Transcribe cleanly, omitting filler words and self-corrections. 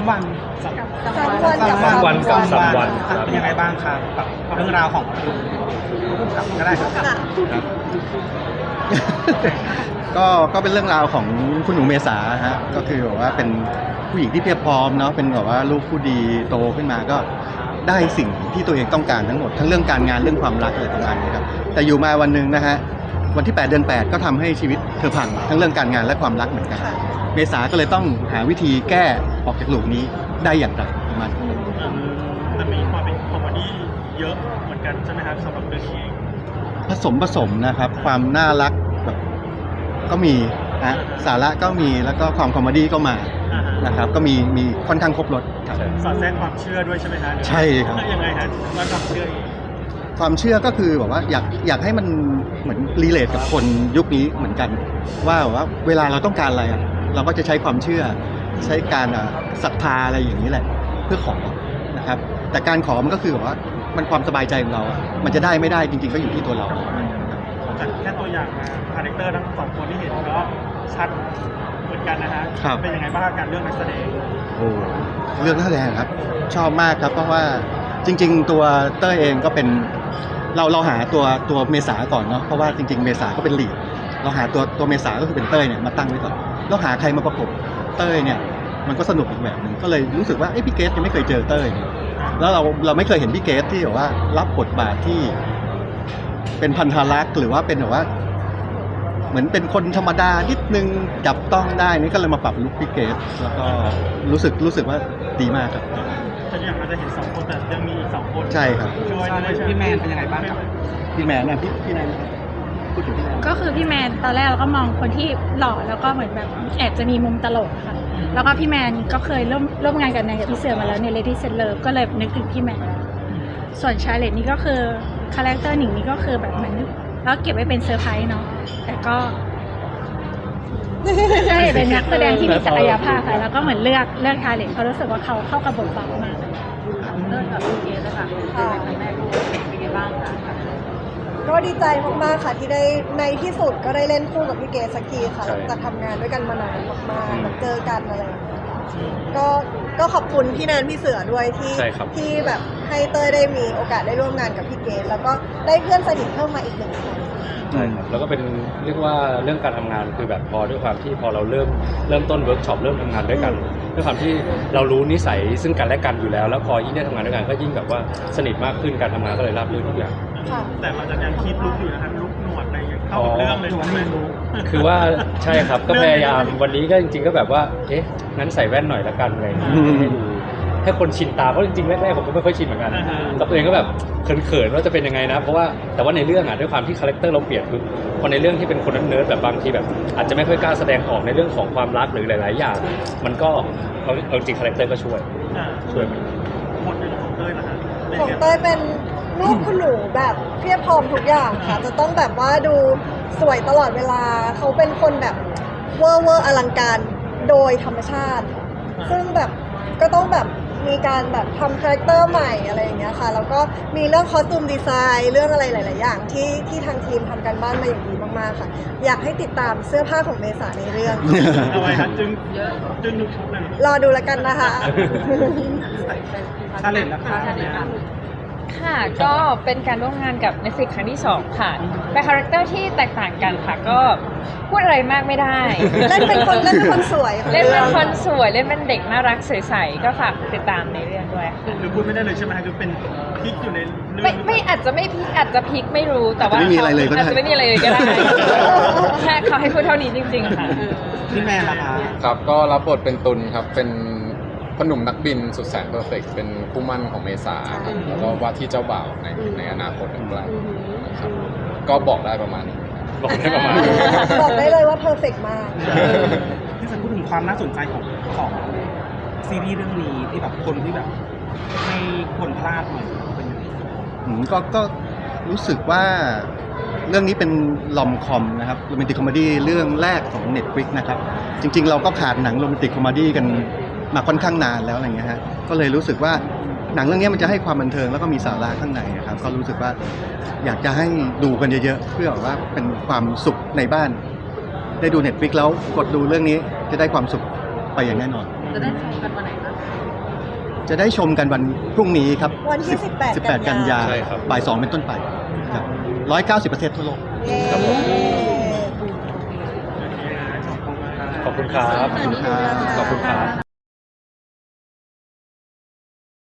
วัน 3 วันกับ 3 วันครับเป็นยังไงบ้างครับกับเรื่องราวของก็ได้ครับก็เป็นเรื่องราวของคุณหนูเมษาฮะก็คือแบบว่าเป็นผู้หญิงที่เพียบพร้อมเนาะเป็นแบบว่าลูกผู้ดีโตขึ้นมาก็ได้สิ่งที่ตัวเองต้องการทั้งหมดทั้งเรื่องการงานเรื่องความรักอะไรประมาณนี้ครับแต่อยู่มาวันหนึ่งนะฮะวันที่8 เดือน 8ก็ทำให้ชีวิตเธอพังทั้งเรื่องการงานและความรักเหมือนกันเมษาก็เลยต้องหาวิธีแก้ออกจากหลุมนี้ได้อย่างไรประมาณนี้จะมีความเป็นคอมเมดี้เยอะเหมือนกันใช่ไหมครับสำหรับเรื่องนี้เองผสมนะครับความน่ารักแบบก็มีนะสาระก็มีแล้วก็ความคอมเมดี้ก็มานะครับก็มีค่อนข้างครบรสครับสอดแทรกความเชื่อด้วยใช่ไหมฮะใช่ครับยังไงฮะว่าความเชื่อเองความเชื่อก็คือแบบว่าอยากให้มันเหมือนรีเลทกับคนยุคนี้เหมือนกันว่าแบบว่าเวลาเราต้องการอะไรอะเราก็จะใช้ความเชื่อใช้การศรัทธาอะไรอย่างนี้แหละเพื่อขอนะครับแต่การขอมันก็คือแบบว่ามันความสบายใจของเราอะมันจะได้ไม่ได้จริงๆก็อยู่ที่ตัวเราจากแค่ตัวอย่างมาคาแรคเตอร์ทั้งสองคนที่เห็นก็ชัดเหมือนกันนะฮะครับเป็นยังไงบ้างการเลือกนักแสดงโอ้เรื่องนักแสดงครับชอบมากครับเพราะว่าจริงๆตัวเต้ยเองก็เป็นเราหาตัวเมษาก่อนเนาะเพราะว่าจริงๆเมษาก็เป็นลีดเราหาตัวเมษาก็คือเป็นเต้ยเนี่ยมาตั้งไว้ก่อนแล้วหาใครมาประกบเต้ยเนี่ยมันก็สนุกอีกแบบหนึ่งก็เลยรู้สึกว่าพี่เกสยังไม่เคยเจอเต้ยเนี่ยแล้วเราไม่เคยเห็นพี่เกสที่แบบว่ารับบทบาทที่เป็นพันธรักษ์หรือว่าเป็นแบบว่าเหมือนเป็นคนธรรมดานิดนึงจับต้องได้นี่ก็เลยมาปรับลุคพี่เกสแล้วก็รู้สึกว่าดีมากครับแต่อย่างเราจะเห็นสองคนแต่ยังมีอีก2 คนใช่ครับช่วยด้วยใช่ไหมพี่แมนเป็นยังไงบ้างครับพี่แมนนะพี่แมนพูดถึงพี่แมนก็คือพี่แมนตอนแรกเราก็มองคนที่หล่อแล้วก็เหมือนแบบแอบจะมีมุมตลกค่ะแล้วก็พี่แมนก็เคยร่วมงานกับนายกับพี่เสือมาแล้วใน Lady Set Love ก็เลยนึกถึงพี่แมนส่วนชาเลตนี่ก็คือคาแรคเตอร์หนิงนี่ก็คือแบบเหมือนแล้วเก็บไว้เป็นเซอร์ไพรส์เนาะแต่ก็ใช่เป็นนักแสดงที่มีศักยภาพค่ะแล้วก็เหมือนเลือกชาเลตเขารู้สึกว่าเขาเข้ากับบทบาทมากเริ่มกับพี่เกสแล้วค่ะเป็นแม่ลูกเป็นยังไงบ้างคะก็ดีใจมากๆค่ะที่ได้ในที่สุดก็ได้เล่นคู่กับพี่เกศสักทีค่ะใช่จะทำงานด้วยกันมานานมากๆแบบเจอกันอะไรอย่างเงี้ยก็ขอบคุณพี่แนนพี่เสือด้วยที่ใช่ครับที่แบบให้เต้ยได้มีโอกาสได้ร่วมงานกับพี่เกศแล้วก็ได้เพื่อนสนิทเพิ่มมาอีก1 คนใช่ครับแล้วก็เป็นเรียกว่าเรื่องการทำงานคือแบบพอด้วยความที่พอเราเริ่มต้นเวิร์กช็อปเริ่มทำงานด้วยกันด้วยความที่เรารู้นิสัยซึ่งกันและกันอยู่แล้วแล้วพอยิ่งได้ทำงานด้วยกันก็ยิ่งแบบว่าสนิทมากขึ้นการทำงานก็เลยราบรื่นทุกอย่างค่ะแต่มันจะยังคิดลุกอยู่นะครับลุกหนวดอะไรอย่างเข้ากับเรื่องเลยใช่ไหมคือว่าใช่ครับก็พยายามวันนี้ก็จริงๆก็แบบว่างั้นใส่แว่นหน่อยละกันอะไรอย่างเงี้ยให้ดูให้คนชินตาเพราะจริงๆแรกๆผมก็ไม่ค่อยชินเหมือนกันกับตัวเองก็แบบเขินๆว่าจะเป็นยังไงนะเพราะว่าแต่ว่าในเรื่องด้วยความที่คาแรคเตอร์เราเปลี่ยนคือพอในเรื่องที่เป็นคนเนิร์ดแบบบางทีแบบอาจจะไม่ค่อยกล้าแสดงออกในเรื่องของความรักหรือหลายๆอย่างมันก็เอาจริงคาแรคเตอร์ก็ช่วยเหมือนกันหมดเลยของเต้ยนะฮะของเต้ยเป็นลูกคุณหนูแบบเพียบพร้อมทุกอย่างค่ะจะต้องแบบว่าดูสวยตลอดเวลาเขาเป็นคนแบบเวอร์อลังการโดยธรรมชาติ ซึ่งแบบก็ต้องแบบมีการแบบทำคาแรคเตอร์ใหม่อะไรอย่างเงี้ยค่ะแล้วก็มีเรื่องคอสตูมดีไซน์เรื่องอะไรหลาย ๆ อย่างที่ทางทีมทำกันบ้านมาอย่างดีมาก ๆ ค่ะ อยากให้ติดตามเสื้อผ้าของเมษาในเรื่องเอาไว้ฮะจึงทุกชุดเลยรอดูแล้วกันนะคะชาเลนจ์นะคะเนี่ยค่ะก็เป็นการร่วมงานกับ Netflix ครั้งที่ 2 ค่ะเป็นคาแรคเตอร์ที่แตกต่างกันค่ะก็พูดอะไรมากไม่ได้เล่นเป็นคนสวยของเล่นเป็นรื่องคนสวยเล่นเป็นเด็กน่ารักใสๆก็ฝากติดตามในเรื่องด้วยค่ะหรือพูดไม่ได้เลยใช่ไหมฮะคือเป็นพลิกอยู่ในเรื่องไม่อาจจะไม่พลิกอาจจะพลิกไม่รู้แต่ว่าอาจจะไม่มีอะไรเลยก็ได้อาจจะไม่มีอะไรเลยก็ได้แค่เขาให้พูดเท่านี้จริงๆค่ะพี่แมนล่ะคะครับก็รับบทเป็นตุลครับเป็นพ่อหนุ่มนักบินสุดแสนเพอร์เฟกต์เป็นคู่หมั่นของเมษาครับแล้วก็ว่าที่เจ้าบ่าวในอนาคตอันใกล้นะครับก็บอกได้ประมาณนี้บอกได้ประมาณนี้บอกได้เลยว่าเพอร์เฟกมากที่จะพูดถึงความน่าสนใจของซีรีส์เรื่องนี้ที่แบบคนที่แบบไม่ควรพลาดหน่อยเป็นยังไงก็รู้สึกว่าเรื่องนี้เป็นลอมคอมนะครับโรแมนติกคอมเมดี้เรื่องแรกของ Netflix นะครับจริงๆเราก็ขาดหนังโรแมนติกคอมเมดี้กันมาค่อนข้างนานแล้วอะไรเงี้ยฮะก็เลยรู้สึกว่าหนังเรื่องนี้มันจะให้ความบันเทิงแล้วก็มีสาระข้างในนะครับก็รู้สึกว่าอยากจะให้ดูกันเยอะๆเพื่อว่าเป็นความสุขในบ้านได้ดู Netflix แล้วกดดูเรื่องนี้จะได้ความสุขไปอย่างแน่นอนอืมจะได้ชมกันวันไหนบ้างจะได้ชมกันวันพรุ่งนี้ครับวันที่18 กันยาใช่ครับบ่าย 2 เป็นต้นไปครับ190 ประเทศทั่วโลกเย้ครับผม ขอบคุณครับขอบคุณครับขอบคุณครับ